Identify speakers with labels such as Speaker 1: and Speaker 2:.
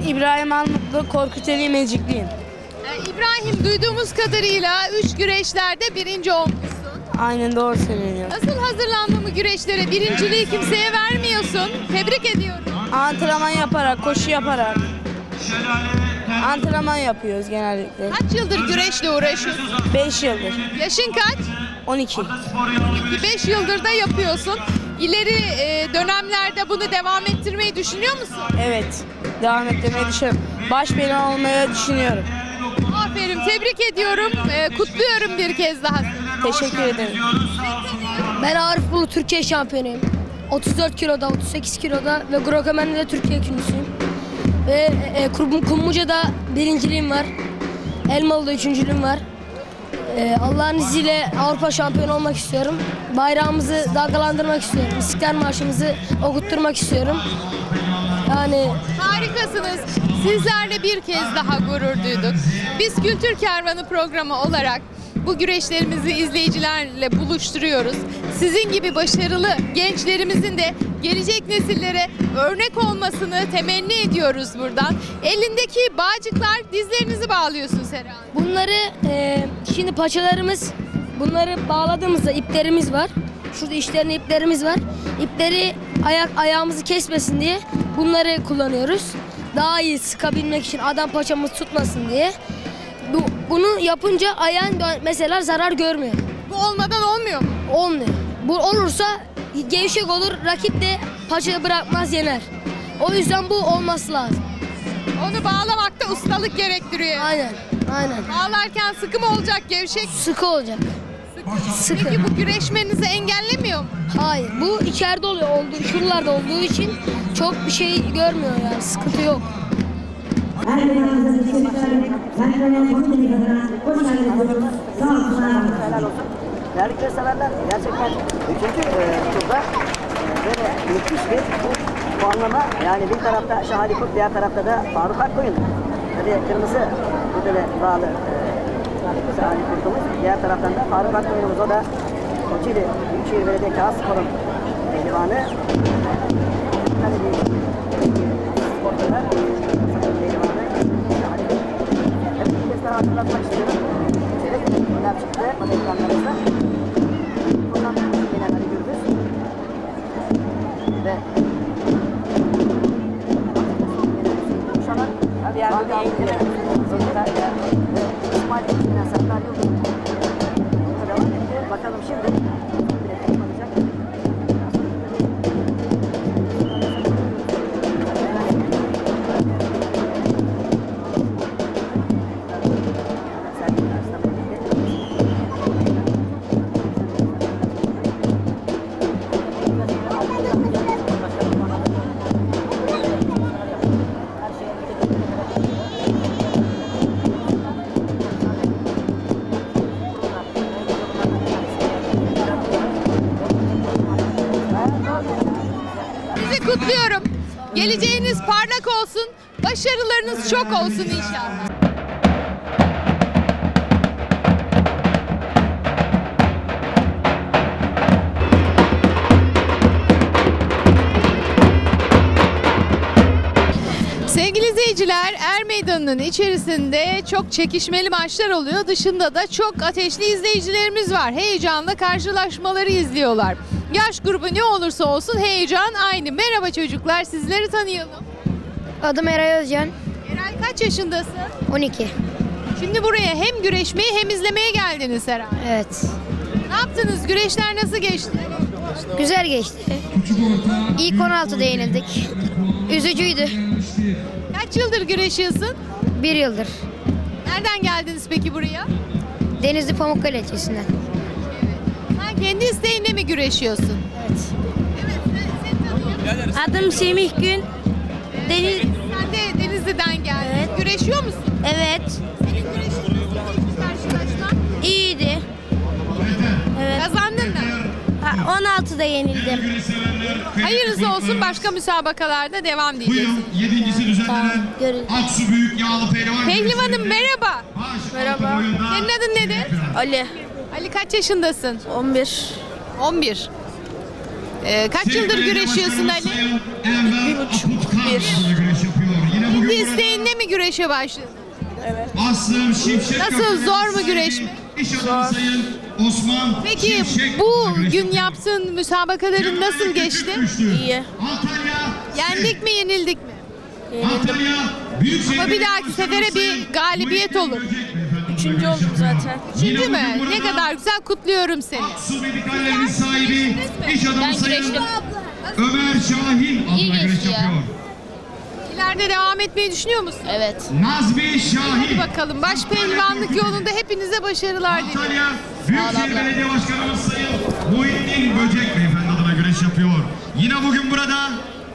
Speaker 1: İbrahim Armutlu, Korkuteli Mecikliyim.
Speaker 2: İbrahim, duyduğumuz kadarıyla 3 güreşlerde birinci olmuşsun.
Speaker 1: Aynen, doğru söylüyor.
Speaker 2: Nasıl hazırlandın bu güreşlere? Birinciliği kimseye vermiyorsun. Tebrik ediyorum.
Speaker 1: Antrenman yaparak, koşu yaparak. Antrenman yapıyoruz genellikle.
Speaker 2: Kaç yıldır güreşle uğraşıyorsun?
Speaker 1: 5 yıldır.
Speaker 2: Yaşın kaç?
Speaker 1: 12.
Speaker 2: 5 yıldır da yapıyorsun. İleri dönemlerde bunu devam ettirmeyi düşünüyor musun?
Speaker 1: Evet. Devam ettirmeyi düşünüyorum. Baş belirli olmayı düşünüyorum.
Speaker 2: Aferin, tebrik ediyorum. Kutluyorum bir kez daha.
Speaker 1: Teşekkür ederim.
Speaker 3: Ben Arif Bulu Türkiye şampiyonuyum. 34 kiloda, 38 kiloda ve Grokomen'de de Türkiye ikincisiyim. Ve Kumluca'da birinciliğim var. Elmalı'da üçüncülüğüm var. Allah'ın izniyle Avrupa şampiyonu olmak istiyorum. Bayrağımızı dalgalandırmak istiyorum. İstiklal Marşımızı okutturmak istiyorum. Yani
Speaker 2: Harikasınız. Sizlerle bir kez daha gurur duyduk. Biz Kültür Kervanı programı olarak bu güreşlerimizi izleyicilerle buluşturuyoruz. Sizin gibi başarılı gençlerimizin de gelecek nesillere örnek olmasını temenni ediyoruz buradan. Elindeki bağcıklar, dizlerinizi bağlıyorsun Sera.
Speaker 3: bunları şimdi paçalarımız, bunları bağladığımızda iplerimiz var. Şurada işlerine iplerimiz var. İpleri ayağımızı kesmesin diye bunları kullanıyoruz. Daha iyi sıkabilmek için, adam paçamız tutmasın diye. Bunu yapınca ayağın mesela zarar görmüyor.
Speaker 2: Bu olmadan olmuyor mu?
Speaker 3: Olmuyor. Bu olursa gevşek olur, rakip de paçayı bırakmaz, yener. O yüzden bu olması lazım.
Speaker 2: Onu bağlamakta ustalık gerektiriyor.
Speaker 3: Aynen, aynen.
Speaker 2: Bağlarken sıkı mı olacak, gevşek?
Speaker 3: Sıkı olacak. Sıkı.
Speaker 2: Peki bu güreşmenizi engellemiyor mu?
Speaker 3: Hayır, bu içeride oluyor, şuralarda olduğu için çok bir şey görmüyor yani, sıkıntı yok.
Speaker 4: Değerli güreş severler, gerçekten 3. turda böyle müthiş bir puanlama. Yani bir tarafta Şahali Kurt, diğer tarafta da Faruk Akkoyun. Tabii kırmızı kurdele bağlı Şahali Kurt'umuz. Diğer taraftan da Faruk Akkoyun'umuz, o da Koçili Büyükşehir Belediye Kağıtspor'un pehlivanı. Tabii bir sporcular, pehlivanı Şahali Kurt. Evet, bir kez daha hatırlatmak istiyorum. Önem çıktı ekranlarımızda. Buradan yine Ali Gürbüz ve Uşan'a bir yerde de İsmail Ekim'den Serdar Yıldırım devam etti. Bakalım şimdi bilet alacak.
Speaker 2: Sizi kutluyorum. Geleceğiniz parlak olsun, başarılarınız çok olsun inşallah. Sevgili izleyiciler, Er Meydanı'nın içerisinde çok çekişmeli maçlar oluyor. Dışında da çok ateşli izleyicilerimiz var. Heyecanla karşılaşmaları izliyorlar. Yaş grubu ne olursa olsun heyecan aynı. Merhaba çocuklar, sizleri tanıyalım.
Speaker 3: Adım Eray Özcan,
Speaker 2: Eray, kaç yaşındasın?
Speaker 3: 12.
Speaker 2: Şimdi buraya hem güreşmeye hem izlemeye geldiniz herhalde.
Speaker 3: Evet.
Speaker 2: Ne yaptınız? Güreşler nasıl geçti?
Speaker 3: Güzel geçti. İlk 16'da yenildik. Üzücüydü.
Speaker 2: Kaç yıldır güreşiyorsun?
Speaker 3: 1 yıldır.
Speaker 2: Nereden geldiniz peki buraya?
Speaker 3: Denizli Pamukkale ilçesinden.
Speaker 2: Sen kendi isteğinle mi güreşiyorsun?
Speaker 3: Evet.
Speaker 2: Evet, seni tanıyorum.
Speaker 3: Adım Semih Gün. Deniz.
Speaker 2: Sen de Denizli'den geldin.
Speaker 3: Evet.
Speaker 2: Güreşiyor musun?
Speaker 3: Evet.
Speaker 2: Senin güreşin nasıl karşılaşma?
Speaker 3: İyiydi. Evet.
Speaker 2: Kazandın mı?
Speaker 3: 16'da yenildim.
Speaker 2: Hayırlısı olsun, başka müsabakalarda devam diyeceksin.
Speaker 5: 7.si düzenlenen
Speaker 3: Görün.
Speaker 5: Aksu Büyük Yağlı Pehlivan
Speaker 2: Pehlivanım merhaba.
Speaker 3: Merhaba.
Speaker 2: Senin adın nedir?
Speaker 3: Ali.
Speaker 2: Ali, kaç yaşındasın?
Speaker 3: 11.
Speaker 2: 11. Kaç yıldır güreşiyorsun Ali?
Speaker 5: 1,5 1.
Speaker 2: Kendi isteğinle güreşe başladın?
Speaker 5: Aslım Şimşek.
Speaker 2: Nasıl,
Speaker 5: Köprü'nün
Speaker 2: zor mu
Speaker 5: sahibi,
Speaker 2: güreş mi?
Speaker 5: İş adamı Sayın Osman
Speaker 2: Peki
Speaker 5: Şimşek
Speaker 2: bu
Speaker 5: adına güreş
Speaker 2: gün
Speaker 5: yapıyor.
Speaker 2: yaptığın müsabakaların nasıl
Speaker 5: Cemal
Speaker 2: geçti?
Speaker 5: Küçük düştü.
Speaker 1: İyi.
Speaker 5: Antalya.
Speaker 2: Yendik mi, yenildik mi?
Speaker 5: Antalya. Büyükşehir
Speaker 2: Ama bir
Speaker 5: Belediye
Speaker 2: dahaki
Speaker 5: Başkanı
Speaker 2: sefere bir
Speaker 5: Sayın
Speaker 2: galibiyet
Speaker 5: Muhittin
Speaker 2: olur.
Speaker 5: Böcek beyefendi
Speaker 1: Üçüncü
Speaker 5: adına güreş
Speaker 1: oldum
Speaker 5: yapıyor.
Speaker 1: zaten.
Speaker 5: Yine
Speaker 2: Üçüncü mü?
Speaker 5: bugün
Speaker 2: Ne
Speaker 5: burada
Speaker 2: kadar güzel, kutluyorum seni.
Speaker 5: Aksu Medikallerinin sahibi iş adamı
Speaker 1: Ben
Speaker 5: Sayın
Speaker 1: güreştim.
Speaker 5: Ömer Şahin adına güreş
Speaker 1: geçti ya.
Speaker 5: yapıyor.
Speaker 2: İleride devam etmeyi düşünüyor musun?
Speaker 1: Evet.
Speaker 5: Nazmi Şahin.
Speaker 2: Hadi bakalım. Baş pehlivanlık yolunda hepinize başarılar diliyorum.
Speaker 5: Antalya Büyükşehir Belediye Başkanımız Sayın Muhittin Böcek beyefendi adına güreş yapıyor. Yine bugün burada